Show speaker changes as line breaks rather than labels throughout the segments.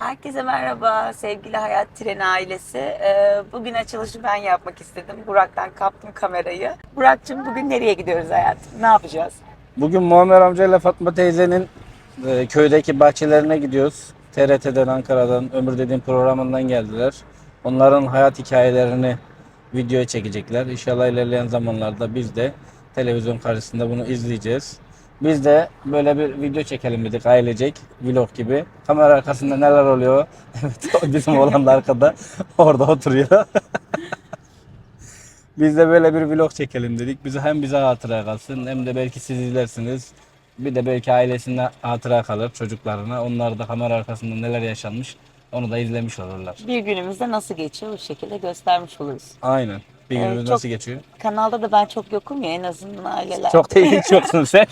Herkese merhaba sevgili Hayat Treni ailesi. Bugün açılışı ben yapmak istedim. Burak'tan kaptım kamerayı. Burak'cığım bugün nereye gidiyoruz hayatım? Ne yapacağız?
Bugün Muammer amcayla Fatma teyzenin köydeki bahçelerine gidiyoruz. TRT'den, Ankara'dan, Ömür Dediğim programından geldiler. Onların hayat hikayelerini videoya çekecekler. İnşallah ilerleyen zamanlarda biz de televizyon karşısında bunu izleyeceğiz. Biz de böyle bir video çekelim dedik ailecek, vlog gibi. Kamera arkasında neler oluyor? Evet, o bizim oğlan da arkada orada oturuyor. Biz de böyle bir vlog çekelim dedik. Bize hatıra kalsın hem de belki siz izlersiniz. Bir de belki ailesine hatıra kalır çocuklarına. Onlar da kamera arkasında neler yaşanmış onu da izlemiş olurlar.
Bir günümüzde nasıl geçiyor bu şekilde göstermiş oluruz.
Aynen. Bir günümüz
Çok,
nasıl geçiyor?
kanalda da ben çok yokum ya en azından aileler.
Çok değil, hiç yoksun sen.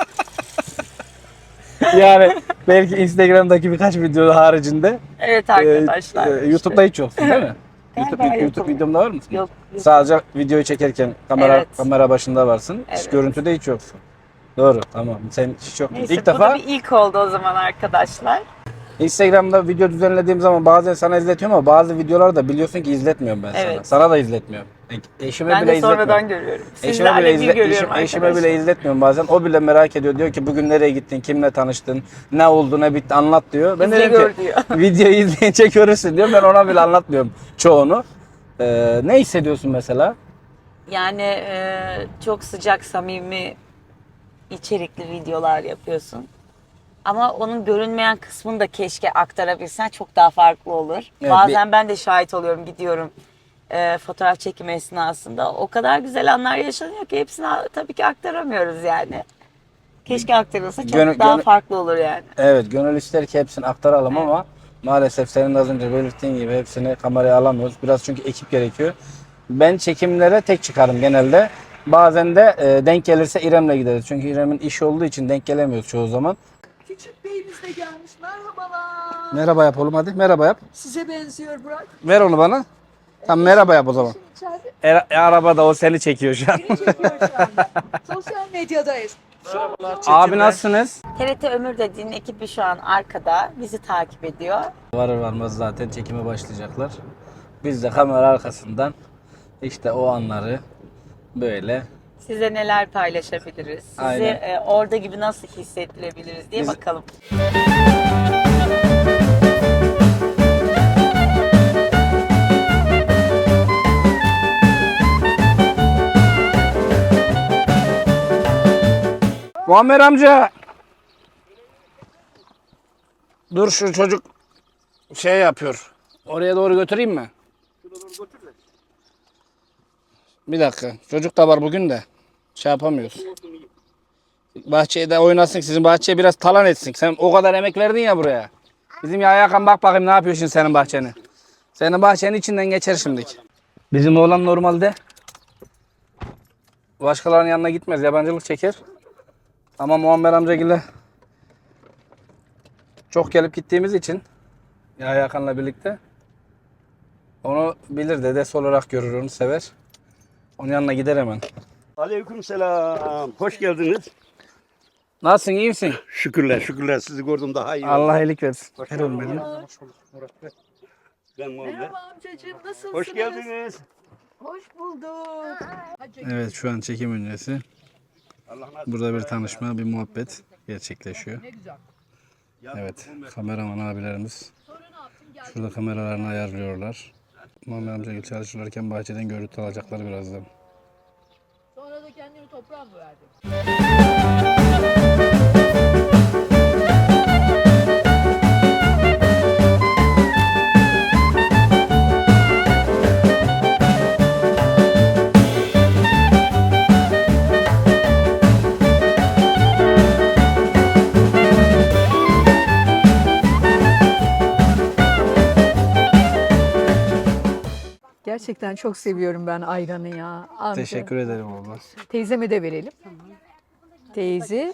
Yani belki Instagram'daki birkaç video haricinde
Evet arkadaşlar.
YouTube'da hiç yoksun değil mi?
Galiba
YouTube
yokum.
videomda var mısın?
Yok.
Sadece videoyu çekerken
Evet.
kamera başında varsın. Hiç
Evet.
görüntüde hiç yoksun. Doğru, tamam. Sen hiç yoktun.
Neyse
İlk
bu
defa
da bir ilk oldu o zaman arkadaşlar.
Instagram'da video düzenlediğim zaman bazen sana izletiyorum ama bazı videoları da biliyorsun ki izletmiyorum ben sana.
Evet.
Sana da izletmiyorum. Eşime
Ben
bile
de sonradan
izletmiyorum.
görüyorum.
Eşime
Sizlerle
bile,
bir görüyorum
eşime
arkadaşlar.
bile izletmiyorum bazen. O bile merak ediyor. Diyor ki bugün nereye gittin, kimle tanıştın, ne oldu, ne bitti anlat diyor. Ben de
İzle
diyorum
gör
ki
diyor.
videoyu izleyince görürsün diyor. Ben ona bile anlatmıyorum çoğunu. Ne hissediyorsun mesela?
Yani çok sıcak, samimi, içerikli videolar yapıyorsun. Ama onun görünmeyen kısmını da keşke aktarabilsen çok daha farklı olur.
Evet,
Bazen ben de şahit oluyorum, gidiyorum fotoğraf çekimi esnasında. O kadar güzel anlar yaşanıyor ki hepsini tabii ki aktaramıyoruz yani. Keşke aktarılsa çok daha farklı olur yani.
Evet, gönül ister ki hepsini aktaralım ama maalesef senin de az önce belirttiğin gibi hepsini kameraya alamıyoruz. Biraz çünkü ekip gerekiyor. Ben çekimlere tek çıkarım genelde. Bazen de denk gelirse İrem'le gideriz. Çünkü İrem'in iş olduğu için denk gelemiyoruz çoğu zaman.
Küçük beyimiz de gelmiş. Merhabalar.
Merhaba yap oğlum hadi. Merhaba yap.
Size benziyor Burak.
Ver onu bana. Tamam merhaba yap o zaman.
Şimdi içeride
Arabada o seni çekiyor şu an.
beni çekiyor şu anda. Sosyal medyadayız.
Abi nasılsınız?
TRT Ömür dediğin ekibi şu an arkada bizi takip ediyor.
Varır varmaz zaten çekime başlayacaklar. Biz de kamera arkasından işte o anları böyle
Size neler paylaşabiliriz? Sizi
Aynen.
orada gibi nasıl hissettirebiliriz diye
Biz-
bakalım.
Muammer amca. Dur şu çocuk şey yapıyor. Oraya doğru götüreyim mi? Bir dakika. Çocuk da var bugün de. Şey yapamıyoruz. Bahçeye de oynasın. Sizin bahçeye biraz talan etsin. Sen o kadar emek verdin ya buraya. Bizim ya Hakan bak bakayım ne yapıyor şimdi senin bahçeni. Senin bahçenin içinden geçer şimdilik. Bizim oğlan normalde başkalarının yanına gitmez. Yabancılık çeker. Ama Muammer amcagille çok gelip gittiğimiz için ya Hakan'la birlikte onu bilir, dedesi olarak görür, onu sever. Onun yanına gider hemen.
Aleykümselam. Hoş geldiniz.
Nasılsın, iyi misin?
Şükürler, şükürler. Sizi gördüm daha iyi.
Allah iyilik versin.
Hoş
Ver oğlum
geldin.
benim.
Ben Muhammed.
Merhaba amcacığım nasılsınız?
Hoş geldiniz.
Hoş bulduk. Hadi.
Evet, şu an çekim öncesi.
Allah nasip
Burada bir tanışma, bir muhabbet gerçekleşiyor.
Ne güzel.
Evet, kameraman abilerimiz şurada kameralarını ayarlıyorlar. Muammer amca çalışırken bahçeden görüntü alacaklar birazdan.
Sonra da kendini toprağa mı verdin? Gerçekten çok seviyorum ben ayranı ya. Amca.
Teşekkür ederim abla.
Teyzeme de verelim. Teyze.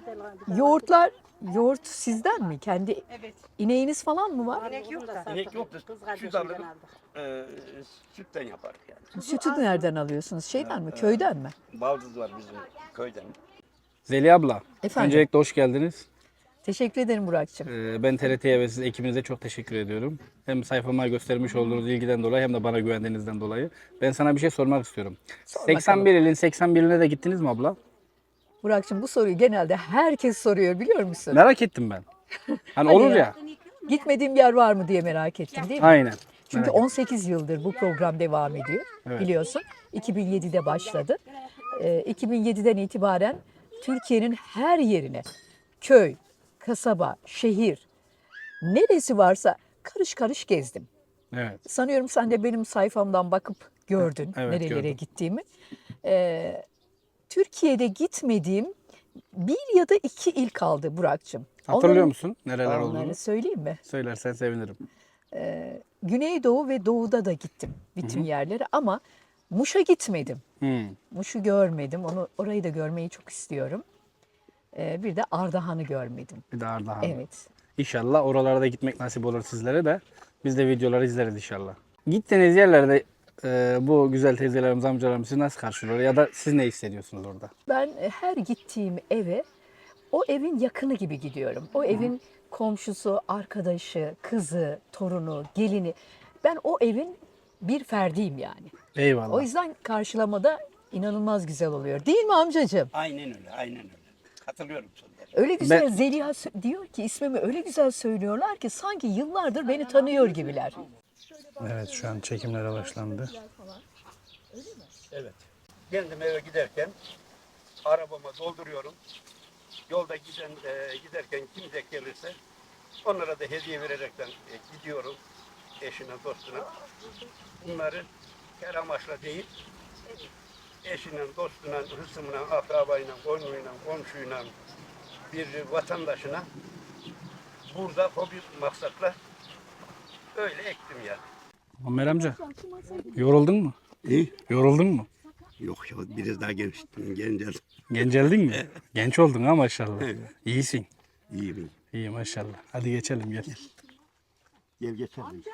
Yoğurt sizden mi? Kendi ineğiniz falan mı var?
İnek yok da süt alırım. Sütten yaparız yani.
Sütü nereden alıyorsunuz? Şeyden mi? Köyden mi?
Baldız var bizim köyden.
Zeliha abla,
Efendim?
öncelikle hoş geldiniz.
Teşekkür ederim Burak'cığım.
Ben TRT'ye ve siz ekibinize çok teşekkür ediyorum. Hem sayfama göstermiş olduğunuz ilgiden dolayı hem de bana güvendiğinizden dolayı. Ben sana bir şey sormak istiyorum.
Sor
81 ilin 81'ine de gittiniz mi abla?
Burak'cığım bu soruyu genelde herkes soruyor biliyor musun?
Merak ettim ben. Hani
Hadi
olur
ya.
ya.
Gitmediğim yer var mı diye merak ettim değil mi?
Aynen.
Çünkü
Merak ettim.
18 yıldır bu program devam ediyor
Evet.
biliyorsun. 2007'de başladı. 2007'den itibaren Türkiye'nin her yerine köy, kasaba, şehir neresi varsa karış karış gezdim.
Evet.
Sanıyorum sen de benim sayfamdan bakıp gördün
Evet,
nerelere
gördüm.
gittiğimi. Türkiye'de gitmediğim bir ya da iki il kaldı Burak'cığım.
Hatırlıyor musun nereler
Onları
olduğunu?
söyleyeyim mi?
Söylersen sevinirim.
Güneydoğu ve Doğu'da da gittim bütün yerlere ama Muş'a gitmedim.
Hmm.
Muş'u görmedim. Orayı da görmeyi çok istiyorum. Bir de Ardahan'ı görmedim.
Bir de Ardahan.
Evet.
İnşallah oralara da gitmek nasip olur sizlere de. Biz de videoları izleriz inşallah. Gittiğiniz yerlerde bu güzel teyzelerimiz, amcalarımız sizi nasıl karşılıyor ya da siz ne hissediyorsunuz orada?
Ben her gittiğim eve o evin yakını gibi gidiyorum. O evin komşusu, arkadaşı, kızı, torunu, gelini. Ben o evin bir ferdiyim yani.
Eyvallah.
O yüzden karşılamada inanılmaz güzel oluyor. Değil mi amcacığım?
Aynen öyle, aynen öyle. Katılıyorum sana.
Öyle güzel Zeliha diyor ki ismimi öyle güzel söylüyorlar ki sanki yıllardır beni tanıyor gibiler.
Evet şu an çekimlere başlandı.
Evet. Kendim eve giderken arabama dolduruyorum. Yolda giderken kim denk gelirse onlara da hediye vererekten gidiyorum. Eşine, dostuna. Bunları her amaçla değil, eşinin, dostuna, hısmına, akrabayla, koynuyla, komşuyla, bir vatandaşına burada hobi maksatla öyle ektim yani.
Ömer amca yoruldun mu?
İyi.
Yoruldun mu?
Yok ya biraz daha genceldim.
Genceldin mi? Genç oldun ha maşallah.
Evet.
İyisin.
İyi mi?
İyi maşallah. Hadi geçelim gel.
Gel geçelim.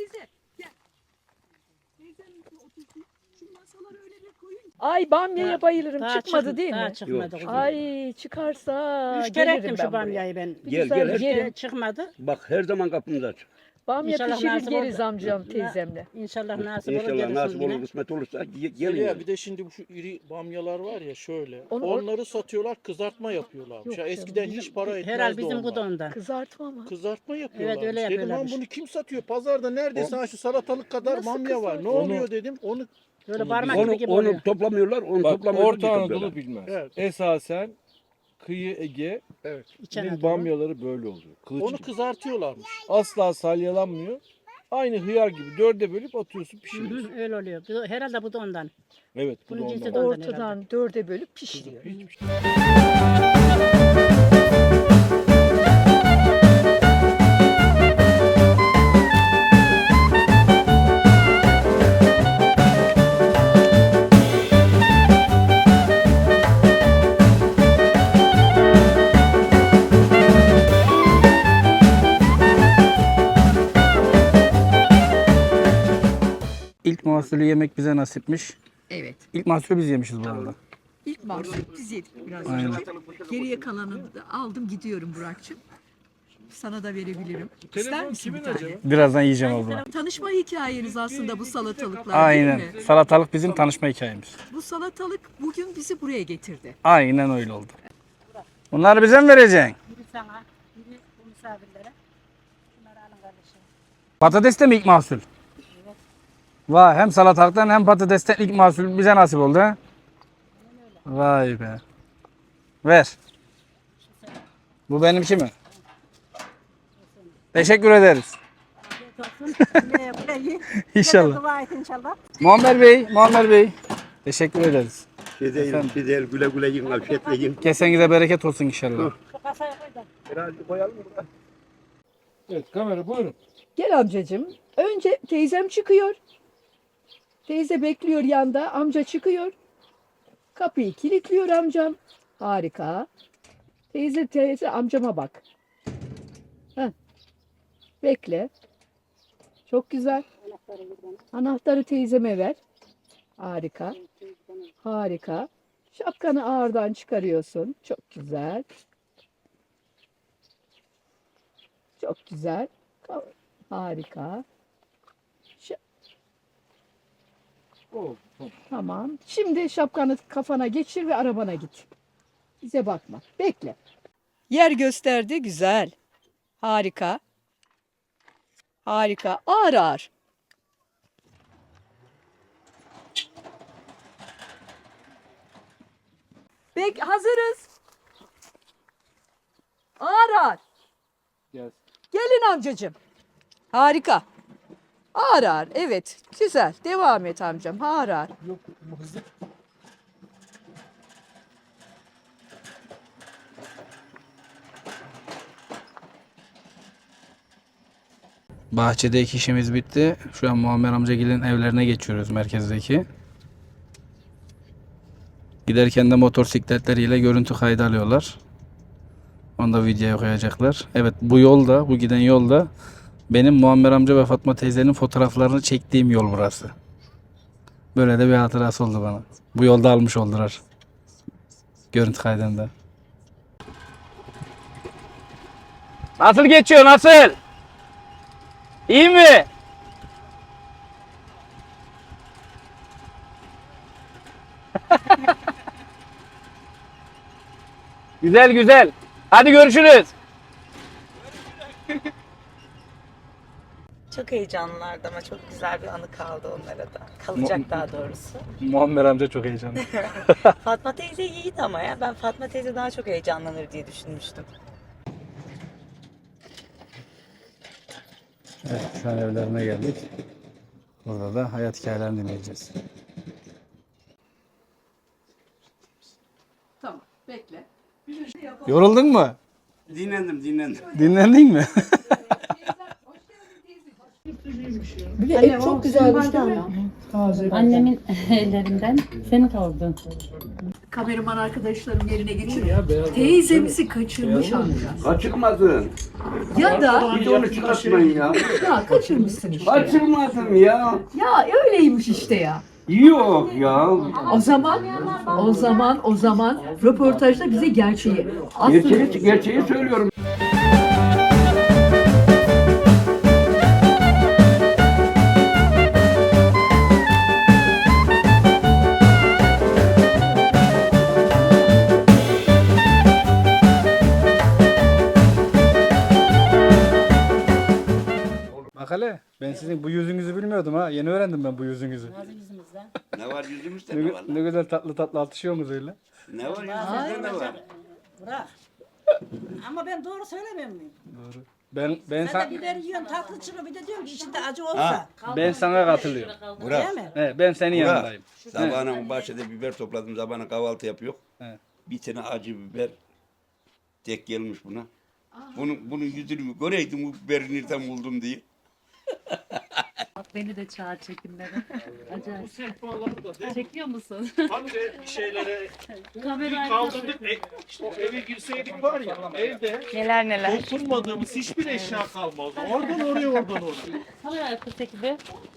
Ay bamyaya bayılırım.
Daha
Çıkmadı
çık-
değil
daha
mi?
çıkmadı.
Yok.
kızım.
Ay çıkarsa
Üç kere
gelirim
ettim
ben
şu
buraya.
bamyayı ben.
Gel
güzel
gel.
Üç kere
yerim.
çıkmadı.
Bak her zaman kapımız açık.
Bamya
İnşallah
pişirir
nasip
yeriz
olur.
amcam teyzemle.
İnşallah nasip olur
İnşallah
gelirsin
nasip
yine.
olur, kısmet olursa gelin.
Zeliha,
yani.
bir de şimdi bu şu iri bamyalar var ya şöyle.
Onu-
onları satıyorlar, kızartma yapıyorlarmış.
Yok
Ya
canım,
eskiden
Bizim-
hiç para etmezdi
Herhal bizim
onlar.
bu da ondan.
Kızartma mı?
Kızartma yapıyorlarmış.
öyle
Dedim
yapıyorlarmış.
lan bunu kim satıyor? Pazarda neredeyse ha şu salatalık kadar
Nasıl
bamya var. Ne
kızartma?
oluyor dedim. Onu
Böyle parmak gibi
Onu,
gibi
onu
oluyor.
toplamıyorlar, onu
Bak
toplamıyorlar.
Orta Anadolu bilmez.
Evet.
Esasen kıyı Ege'nin
evet.
İçen adamı.
bamyaları böyle oluyor. Kılıç
Onu
gibi.
kızartıyorlarmış.
Asla salyalanmıyor. Aynı hıyar gibi dörde bölüp atıyorsun
Hı
pişiriyorsun.
hı, öyle oluyor. Herhalde bu da ondan.
Evet bu da
Bunun cinsi
ondan.
de ondan
Ortadan dörde bölüp pişiriyor.
Hiçbir şey.
İlk mahsulü yemek bize nasipmiş.
Evet.
İlk mahsulü biz yemişiz bu arada.
İlk mahsul biz yedik biraz
Aynen.
önce. Geriye kalanını da aldım gidiyorum Burak'cığım. Sana da verebilirim. İster
Telefon
misin
kimin
bir tane?
acaba?
Birazdan yiyeceğim abla.
Tanışma hikayeniz aslında bu salatalıklar
Aynen.
değil mi?
Salatalık bizim tanışma hikayemiz.
Bu salatalık bugün bizi buraya getirdi.
Aynen öyle oldu. Bunları bize mi vereceksin?
Biri sana, biri bu misafirlere. Bunları alın kardeşim.
Patates de mi ilk mahsul? Vay hem salatalıktan hem patatesten ilk mahsul bize nasip oldu ha? Vay be. Ver. Bu benimki mi? Teşekkür ederiz. İnşallah.
Dua et inşallah.
Muammer Bey. Teşekkür ederiz.
Efendim. Güzel güle güle yiyin, afiyetle yiyin.
Kesenize bereket olsun inşallah.
Şu kasaya koy da.
Biraz koyalım mı?
Evet kamera buyurun.
Gel amcacığım. Önce teyzem çıkıyor. Teyze bekliyor yanda. Amca çıkıyor. Kapıyı kilitliyor amcam. Harika. Teyze amcama bak. Heh. Bekle. Çok güzel. Anahtarı teyzeme ver. Harika. Harika. Şapkanı ağırdan çıkarıyorsun. Çok güzel. Çok güzel. Harika. Tamam. Şimdi şapkanı kafana geçir ve arabana git. Bize bakma. Bekle. Yer gösterdi. Güzel. Harika. Harika. Ağır ağır. Hazırız. Ağır ağır.
Yes.
Gelin amcacığım. Harika. Ağır ağır. Evet. Güzel. Devam et amcam. Ağır ağır.
Bahçedeki işimiz bitti. Şu an Muammer amcagilin evlerine geçiyoruz, merkezdeki. Giderken de motosikletleriyle görüntü kaydı alıyorlar. Onu da videoya koyacaklar. Evet, bu yolda, bu giden yolda benim Muammer amca ve Fatma teyzenin fotoğraflarını çektiğim yol burası. Böyle de bir hatırası oldu bana. Bu yolda almış oldular. Görüntü kaydında. Nasıl geçiyor, nasıl? İyi mi? Güzel güzel. Hadi görüşürüz.
Çok heyecanlılardı ama çok güzel bir anı kaldı onlara da. Kalacak daha doğrusu.
Muammer amca çok heyecanlı.
Fatma teyze iyiydi ama ya. Ben Fatma teyze daha çok heyecanlanır diye düşünmüştüm.
Evet, şu an evlerine geldik. Burada da hayat hikayelerini dinleyeceğiz.
Tamam. Bekle.
Yoruldun mu?
Dinlendim.
Dinlendin mi?
Ev çok güzelmiş değil mi?
Annemin ellerinden senin kaldın.
Kameraman arkadaşlarım yerine geçiriyor. Teyzemizi kaçırmış amca.
Kaçırmadın.
Ya da
Hiç onu çıkartmayın ya.
ya kaçırmışsın işte.
Kaçırmadım ya.
Ya öyleymiş işte ya.
Yok ya.
O zaman röportajda bize gerçeği. Aslında
Gerçeği söylüyorum.
Bak hele, ben sizin bu yüzünüzü bilmiyordum ha. Yeni öğrendim ben bu yüzünüzü.
Ne var yüzümüzde ne var?
Ne güzel tatlı tatlı atışıyorsunuz öyle.
Ne var yüzümüzde ne var?
Bırak. Ama ben doğru söylemiyor muyum?
Doğru. Ben
Sen de biber yiyorsun tatlı çıkıyor bir de diyorum ki içinde acı olsa.
ben sana katılıyorum.
Burak.
Değil mi?
Ben senin
Burak.
yanındayım.
Sabahına bahçede biber topladım. Sabahına kahvaltı yapıyor.
Evet.
Bir tane acı biber tek gelmiş buna. Bunun yüzünü göreydim bu biberi nereden buldum diye.
Beni de çağır çekimlere. Acayip. Çekiyor musun?
Hani de bir şeylere
Kamera
kaldırdık. İşte o eve girseydik var ya evde
Neler neler.
dokunmadığımız hiçbir eşya kalmazdı. Oradan oraya oradan oraya.
kamera arkası ekibi.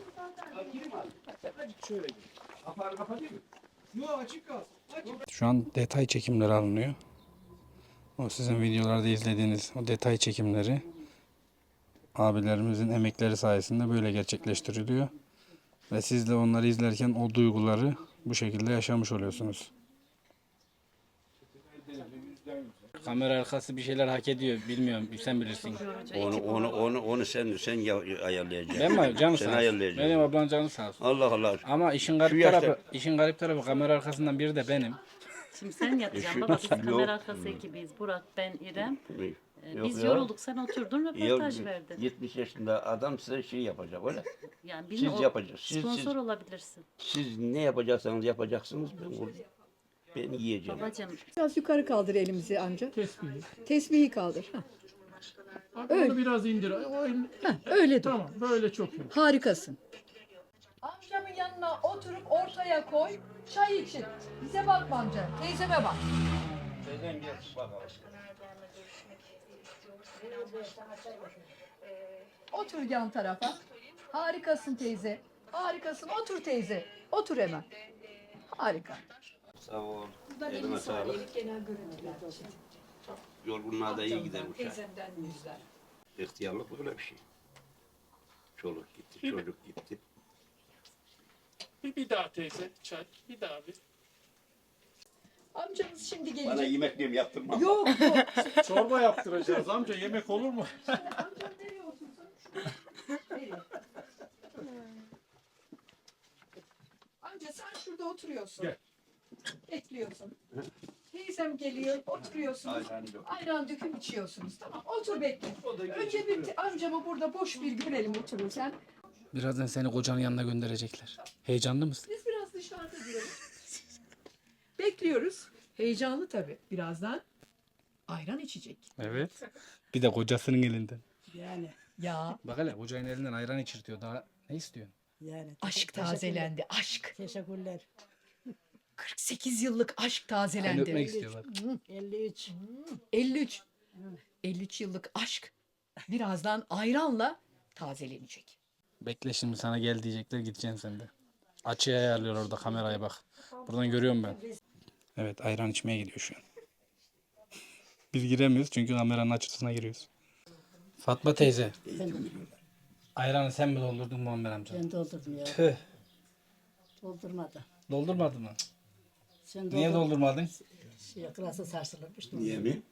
Şu an detay çekimleri alınıyor. O sizin videolarda izlediğiniz o detay çekimleri abilerimizin emekleri sayesinde böyle gerçekleştiriliyor. Ve siz de onları izlerken o duyguları bu şekilde yaşamış oluyorsunuz. Kamera arkası bir şeyler hak ediyor. Bilmiyorum. Sen bilirsin.
Onu sen ayarlayacaksın.
Ben mi? Canı
Sen
sağ olsun.
ayarlayacaksın.
Benim ablam canı sağ olsun.
Allah Allah.
Ama
Şu yaşta-
işin garip tarafı kamera arkasından biri de benim.
Şimdi sen yatacaksın baba biz kamera arkası ekibiz. Burak, ben, İrem.
Yok
Biz
ya.
yorulduk sen oturdun röportaj
Ya,
verdin.
70 yaşında adam size şey yapacak öyle.
Yani
Siz
bilmiyorum,
yapacaksınız.
sponsor olabilirsin.
Siz ne yapacaksanız yapacaksınız. Ben yiyeceğim.
Babacığım
Biraz yukarı kaldır elimizi amca. Tesbihi kaldır.
Onu biraz indir.
Öyle dur.
Tamam böyle çok iyi.
Harikasın. Amcamın yanına oturup ortaya koy. Çay için. Bize bakma amca. Teyzeme bak. Otur yan tarafa. Harikasın teyze. Harikasın. Otur teyze. Otur hemen. Harika.
Sağ ol. Elime sağlık. Yorgunluğa da iyi gider bu şey.
Teyzemden yüzler.
İhtiyarlık böyle bir şey. Çoluk gitti, çocuk gitti.
Bir daha teyze çay. Bir daha bir.
Amcamız şimdi
Bana
gelecek.
yemekliğimi yaptırma.
Yok yok.
Çorba yaptıracağız amca. Yemek olur mu?
Amcam nereye otursun? Nereye? Amca sen şurada oturuyorsun.
Gel.
Bekliyorsun. Teyzem geliyor, oturuyorsunuz. Ayran döküm içiyorsunuz. Tamam, otur bekle. Önce bir amcamı burada boş bir görelim otururken.
Birazdan seni kocanın yanına gönderecekler. Heyecanlı mısın?
Biz biraz dışarıda duralım. Bekliyoruz. Heyecanlı tabii. Birazdan ayran içecek.
Evet. Bir de kocasının elinden.
Yani
Ya
Bak hele kocanın elinden ayran içirtiyor. Daha ne istiyorsun?
yani.
aşk tazelendi. Aşk.
Teşekkürler.
48 yıllık aşk
Seni öpmek
tazelendi.
istiyorlar.
53.
53. 53 yıllık aşk birazdan ayranla tazelenecek.
Bekle şimdi sana gel diyecekler gideceksin sen de. Açıya ayarlıyor orada kameraya bak. Buradan görüyorum ben. Evet ayran içmeye gidiyor şu an. Biz giremiyoruz çünkü kameranın açısına giriyoruz. Fatma teyze. Ayranı sen mi doldurdun Muammer amca?
Ben doldurdum ya.
Tüh.
Doldurmadı.
Doldurmadın mı?
Sen
Niye doldurmadın?
Klası sarsılırmış.
Niye mi?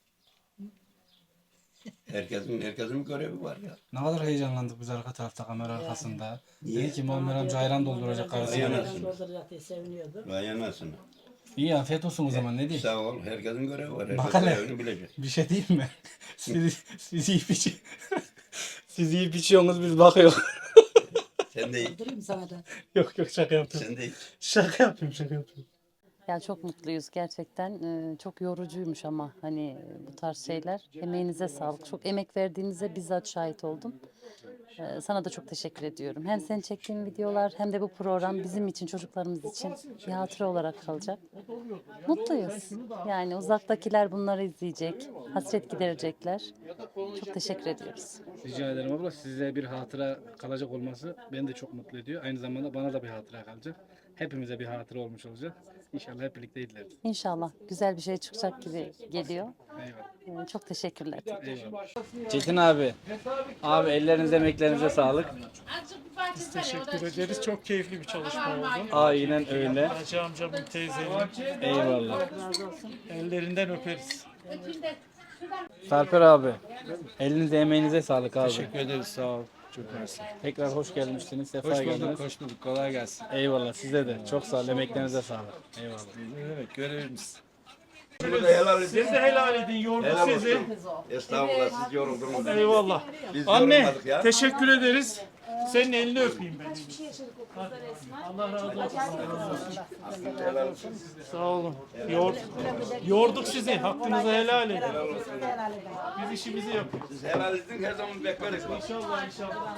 Herkesin görevi var ya.
Ne kadar heyecanlandık biz arka tarafta kamera arkasında. Dedi ki Muammer amca ayran dolduracak karısına.
Ayran.
Dolduracak diye seviniyordu.
Vay anasını.
İyi afiyet olsun o zaman ne diyeyim.
Sağ ol. Herkesin görevi var.
Bak
Herkes
hele.
görevini bilecek.
Bir şey diyeyim mi? Siz yiyip siz yiyip içiyorsunuz biz bakıyoruz.
Sen de iç.
Doldurayım sana da.
Yok şaka yapıyorum.
Sen de iç.
Şaka yapıyorum.
Ya çok mutluyuz gerçekten. Çok yorucuymuş ama hani bu tarz şeyler. Emeğinize sağlık. Çok emek verdiğinize bizzat şahit oldum. Sana da çok teşekkür ediyorum. Hem senin çektiğin videolar hem de bu program bizim için, çocuklarımız için bir hatıra olarak kalacak. Mutluyuz. Yani uzaktakiler bunları izleyecek, hasret giderecekler. Çok teşekkür ediyoruz.
Rica ederim abla. Size bir hatıra kalacak olması beni de çok mutlu ediyor. Aynı zamanda bana da bir hatıra kalacak. Hepimize bir hatıra olmuş olacak. İnşallah hep birlikte izleriz.
İnşallah güzel bir şey çıkacak gibi geliyor.
Eyvallah.
Çok teşekkürler.
Eyvallah. Çetin abi. Abi ellerinize emeklerinize sağlık.
Biz teşekkür ederiz. Çok keyifli bir çalışma oldu.
Aynen öyle.
Hacı amcamın teyzenin
Eyvallah.
ellerinden öperiz.
Sarper abi. Elinize emeğinize sağlık abi.
Teşekkür ederiz. Sağ ol. Çok mersi.
Tekrar hoş gelmişsiniz. Sefa
Hoş
geldiniz.
bulduk. Hoş bulduk. Kolay gelsin.
Eyvallah size de. Çok sağ olun. Emeklerinize sağlık. Eyvallah.
Evet görevimiz.
Bunu da helal edin.
Siz de helal edin. Yorduk
Helal
sizi.
olsun. Estağfurullah siz yoruldunuz.
Eyvallah.
Biz
Anne
yorulmadık ya.
teşekkür ederiz. Senin elini öpeyim ben. Allah razı olsun.
Helal olsun.
Sağ olun. Yorduk sizi. Hakkınızı helal edin. Biz işimizi yapıyoruz.
Siz helal edin her zaman bekleriz.
İnşallah inşallah.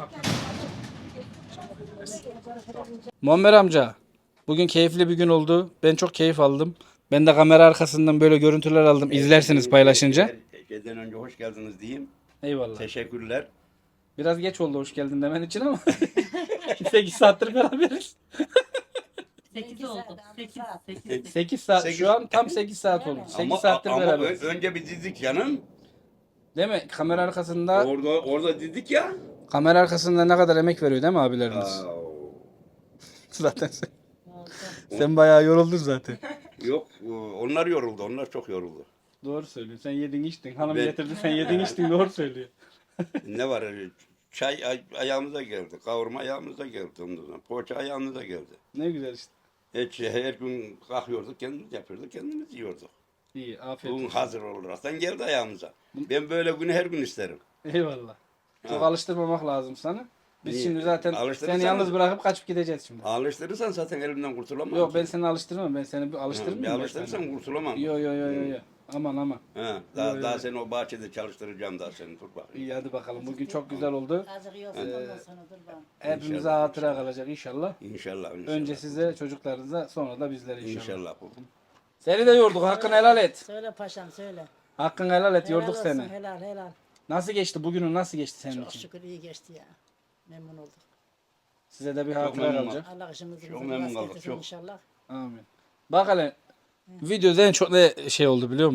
Muammer amca. Bugün keyifli bir gün oldu. Ben çok keyif aldım. Ben de kamera arkasından böyle görüntüler aldım. İzlersiniz paylaşınca.
Geceden önce hoş geldiniz diyeyim.
Eyvallah.
Teşekkürler.
Biraz geç oldu hoş geldin demen için ama 8 saattir beraberiz.
8 oldu. 8.
8 saat. Şu an tam 8 saat oldu. 8 saattir beraberiz.
Önce bir dedik canım.
Değil mi? Kamera arkasında
Orada dedik ya.
kamera arkasında ne kadar emek veriyor değil mi abilerimiz? Zaten sen bayağı yoruldun zaten.
Yok onlar yoruldu. Onlar çok yoruldu.
Doğru söylüyorsun. Sen yedin içtin. Hanım
Ben-
getirdi sen yedin içtin. Doğru söylüyor.
Ne var? Çay ayağımıza geldi. Kavurma ayağımıza geldi. Ondan sonra. Poğaça ayağımıza geldi.
Ne güzel işte.
Her gün kalkıyorduk, kendimiz yapıyorduk, kendimiz yiyorduk.
İyi afiyet
Bugün
olsun.
hazır olaraktan geldi ayağımıza. Ben böyle günü her gün isterim.
Eyvallah. Çok
Ha.
alıştırmamak lazım sana. Biz
Niye?
şimdi zaten
Alıştırırsan-
seni yalnız bırakıp kaçıp gideceğiz şimdi.
Alıştırırsan zaten elimden kurtulamam.
Yok
ki.
ben seni alıştırmam. Ben seni bir
Bir
alıştırmayayım. ben
alıştırırsam
sana.
kurtulamam.
Yo. Aman.
Ha, daha seni o bahçede çalıştıracağım daha seni. Dur bakayım.
İyi hadi bakalım. Bugün çok güzel oldu.
Azıcık yiyorsun ondan sonra dur bana.
Hepimize
İnşallah,
hatıra kalacak inşallah.
İnşallah.
Önce size, çocuklarınıza, sonra da bizlere inşallah.
İnşallah.
Seni de yorduk. Hakkını helal et.
Söyle paşam söyle.
Hakkını helal et.
Helal
Yorduk
olsun,
seni.
Helal helal.
Nasıl geçti? Bugünün nasıl geçti senin
Çok
için?
şükür iyi geçti ya. Memnun olduk.
Size de bir hatıra
memnun
kalacak.
Allah işimizi
Çok
bize
memnun
rast
kaldık,
getirsin
çok.
inşallah.
Amin. Bak hele. Videoda en çok ne şey oldu biliyor musun?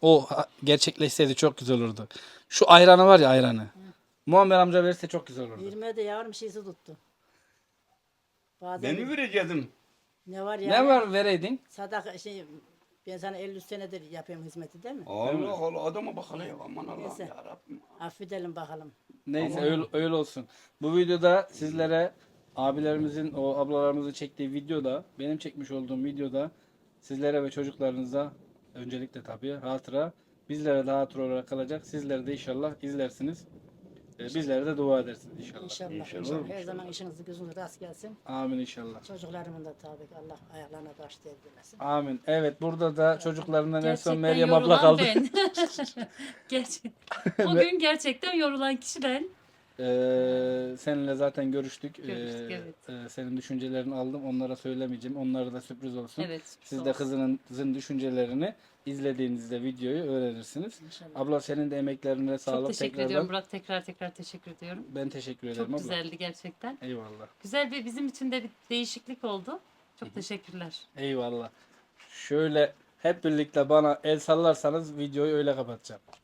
O gerçekleşseydi çok güzel olurdu. Şu ayranı var ya, ayranı. Muammer amca verirse çok güzel olurdu.
20'de yavrum şeysi tuttu. Bazen
Ben mi vereceğim?
ne var ya?
Ne var vereydin?
Sadaka şey, ben sana 50 senedir yapıyorum hizmeti değil mi?
Allah Allah, adama bak hele ya. Aman Allah'ım
Neyse.
ya Rabbim.
Affedelim bakalım.
Neyse öyle olsun. Bu videoda sizlere abilerimizin, o ablalarımızın çektiği videoda, benim çekmiş olduğum videoda sizlere ve çocuklarınıza öncelikle tabii hatıra, bizlere de hatıra olarak kalacak. Sizler de inşallah izlersiniz. Bizlere de dua edersiniz inşallah.
İnşallah. Her zaman işinizi gözünüzü rast gelsin.
Amin inşallah.
Çocuklarımın da tabii ki Allah ayaklarına taş değdirmesin.
Amin. Evet, burada da çocuklarından en son
Gerçekten
Meryem abla
yorulan
kaldı.
ben. O gün gerçekten yorulan kişi ben.
Seninle zaten görüştük.
Görüştük, evet.
Senin düşüncelerini aldım. Onlara söylemeyeceğim. Onlara da sürpriz olsun.
Evet.
Siz de kızınızın düşüncelerini izlediğinizde videoyu öğrenirsiniz.
İnşallah.
Abla senin de emeklerine
Çok
sağlık
teşekkür
tekrardan.
ediyorum Burak. Tekrar teşekkür ediyorum.
Ben teşekkür ederim
Çok
abla.
güzeldi gerçekten.
Eyvallah.
Güzel bir bizim için de bir değişiklik oldu. Çok teşekkürler.
Eyvallah. Şöyle hep birlikte bana el sallarsanız videoyu öyle kapatacağım.